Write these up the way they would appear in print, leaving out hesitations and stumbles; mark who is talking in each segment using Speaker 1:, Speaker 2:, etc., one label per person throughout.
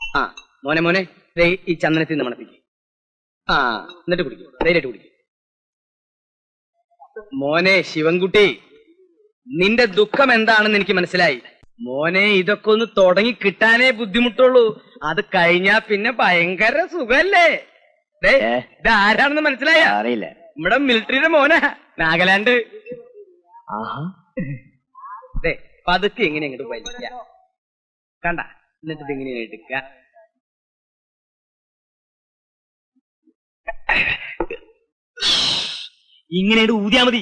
Speaker 1: ആ മോനെ മോനെ ഈ ചന്ദനത്തിൽ നിന്ന് മണപ്പിക്കും. ആ എന്നിട്ട് കുടിക്കും, ധൈര്യമായിട്ട് കുടിക്കും. മോനെ ശിവൻകുട്ടി, നിന്റെ ദുഃഖം എന്താണെന്ന് എനിക്ക് മനസ്സിലായി. മോനെ ഇതൊക്കെ ഒന്ന് തുടങ്ങി കിട്ടാനേ ബുദ്ധിമുട്ടുള്ളൂ. അത് കഴിഞ്ഞാ പിന്നെ ഭയങ്കര സുഖല്ലേ. ഇത് ആരാണെന്ന് മനസ്സിലായ?
Speaker 2: അറിയില്ല.
Speaker 1: നമ്മുടെ മിലിറ്ററിയുടെ മോനാ, നാഗാലാൻഡ്. പതുക്കെ എങ്ങനെ അങ്ങോട്ട് വലിക്ക, കണ്ട, എന്നിട്ട് ഇതെങ്ങനെ എടുക്ക. ഇങ്ങനെ ഊതിയാ മതി.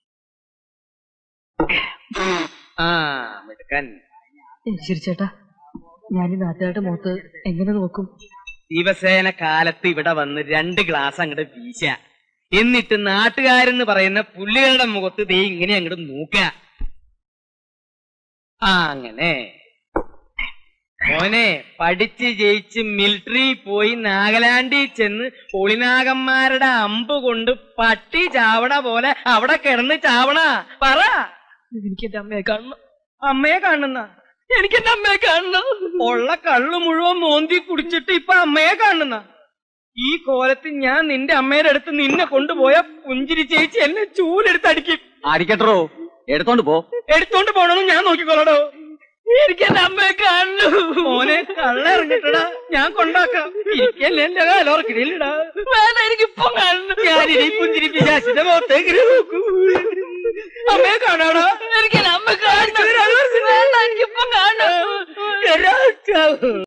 Speaker 1: ആ എടുക്കാൻ.
Speaker 3: ശരി ചേട്ടാ, ഞാൻ ഈ നാട്ടുകാരുടെ മുഖത്ത് എങ്ങനെ നോക്കും?
Speaker 1: ദിവസേന കാലത്ത് ഇവിടെ വന്ന് 2 ഗ്ലാസ് അങ്ങോട്ട് വീശ, എന്നിട്ട് നാട്ടുകാരെന്ന് പറയുന്ന പുള്ളികളുടെ മുഖത്ത് ദേ ഇങ്ങനെ അങ്ങോട്ട് നോക്ക. ആ അങ്ങനെ. മോനെ പഠിച്ച് ജയിച്ച് മിലിറ്ററി പോയി നാഗാലാൻഡിൽ ചെന്ന് ഒളിനാഗന്മാരുടെ അമ്പ് കൊണ്ട് പട്ടി ചാവണ പോലെ അവിടെ കിടന്ന് ചാവണ. പറ.
Speaker 3: എനിക്ക് എന്റെ അമ്മയെ കാണണം.
Speaker 1: അമ്മയെ കാണുന്ന? എനിക്ക് എന്റെ അമ്മയെ കാണണം. ഉള്ള കള്ളു മുഴുവൻ മോന്തി കുടിച്ചിട്ട് ഇപ്പൊ അമ്മയെ കാണുന്ന? ഈ കോലത്തിൽ ഞാൻ നിന്റെ അമ്മയുടെ അടുത്ത് നിന്നെ കൊണ്ടുപോയ പുഞ്ചിരി ചേച്ചി എന്നെ ചൂലെടുത്ത് അടിക്കും.
Speaker 2: അടിക്കട്ടോ, എടുത്തോണ്ട് പോ.
Speaker 1: എടുത്തോണ്ട് പോണെന്ന് ഞാൻ നോക്കിക്കോളടോ. എനിക്ക് എന്റെ അമ്മയെ കാണു. മോനെ കള്ള ഇറങ്ങിട്ടടാ, ഞാൻ കൊണ്ടാക്കാം. ഇരിക്കല്ലേ എന്റെ കാലോർക്കിടയിലിടാ. വേണ്ട, എനിക്കിപ്പം കാണുന്നു. ഞാനിനി പുഞ്ചിരി പിശാചിന്റെ മുഖത്തേക്ക് നോക്കൂ. അമ്മയെ കാണാടാ. എനിക്ക് അമ്മ കാണുന്നു. എനിക്കിപ്പം കാണാം.